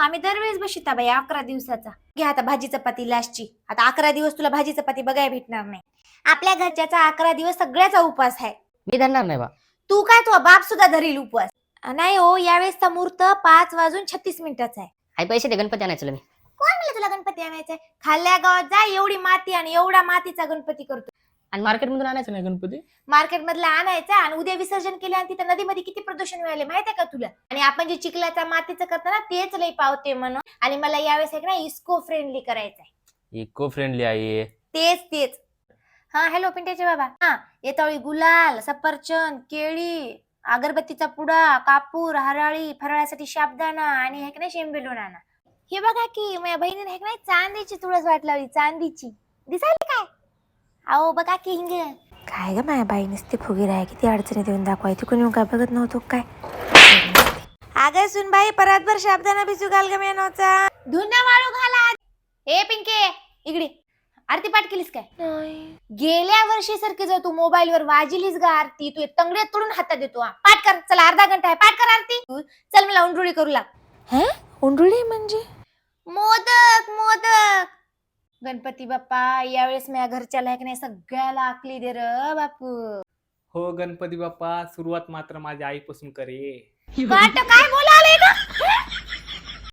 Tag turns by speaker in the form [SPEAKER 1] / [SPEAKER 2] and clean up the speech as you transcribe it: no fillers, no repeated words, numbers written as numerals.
[SPEAKER 1] आम्ही दरवेळेस बशिता बाई 11 दिवसाचा. घे आता भाजी चपाती लास्टची. आता 11 दिवस तुला भाजी चपाती बघायला भेटणार नाही. आपल्या घरच्याचा 11 दिवस सगळ्याचा उपवास आहे.
[SPEAKER 2] मी धरणार नाही बा.
[SPEAKER 1] तू काय तो बाप सुद्धा धरील उपवास. नाही हो, यावेळेसचा मुहूर्त 5:36 आहे.
[SPEAKER 2] आई पैसे दे, गणपती आणायचं तुला मी.
[SPEAKER 1] कोण म्हणलं तुला गणपती आणायचाय? खाल्ल्या गावात जा, एवढी माती आणि एवढा मातीचा गणपती करतो.
[SPEAKER 2] आणि मार्केट मधून आणायचं नाही गणपती.
[SPEAKER 1] मार्केट मधला आणायचा आणि उद्या विसर्जन केलं आणि तिथं नदीमध्ये किती प्रदूषण मिळाले माहितीये का तुला? आणि आपण जे चिखलाचा मातीचं करतो ना तेच लई पावते म्हणून. आणि मला यावेळेस आहे ना इको फ्रेंडली करायचंय.
[SPEAKER 3] इको फ्रेंडली आहे.
[SPEAKER 1] तेच. हा हॅलो पिंट्याचे बाबा. हा येतावळी गुलाल, सफरचंद, केळी, अगरबत्तीचा पुडा, कापूर, हराळी, फराळासाठी साबुदाणा आणि हे नाही शेंबेलूण आणा. हे बघा की माझ्या बहिणीने हे नाही चांदीची तुळस वाट लावली, चांदीची. दिसायली काय? अहो बघा की हिंग. काय ग माझ्या बाई नुसती फुगीर आहे, किती अडचणी देऊन दाखवायची. कोणी येऊन काय बघत नव्हतो काय? अगं सुन बाई परातभर साबुदाणा भिजू घाल ग मेनोचा. धुणं वाळू घाला. हे पिंके इकडे. आरती पाठ केलीस काय? गेल्या वर्षी सारखी जर तू मोबाईल वर वाजिलीस ग आरती, तू तंगडे तोडून हातात देतो. पाठ कर, चला अर्धा घंटा आहे, पाठ कर आरती. चल मला उंडरुळी करू लाग. उंडरुळी म्हणजे मोदक. गणपती बाप्पा यावेळेस माझ्या घरच्याला नाही सगळ्याला आकली दे र बापू.
[SPEAKER 3] हो गणपती बाप्पा, सुरुवात मात्र माझ्या आईपासून करे.
[SPEAKER 1] काय बोलाले ग?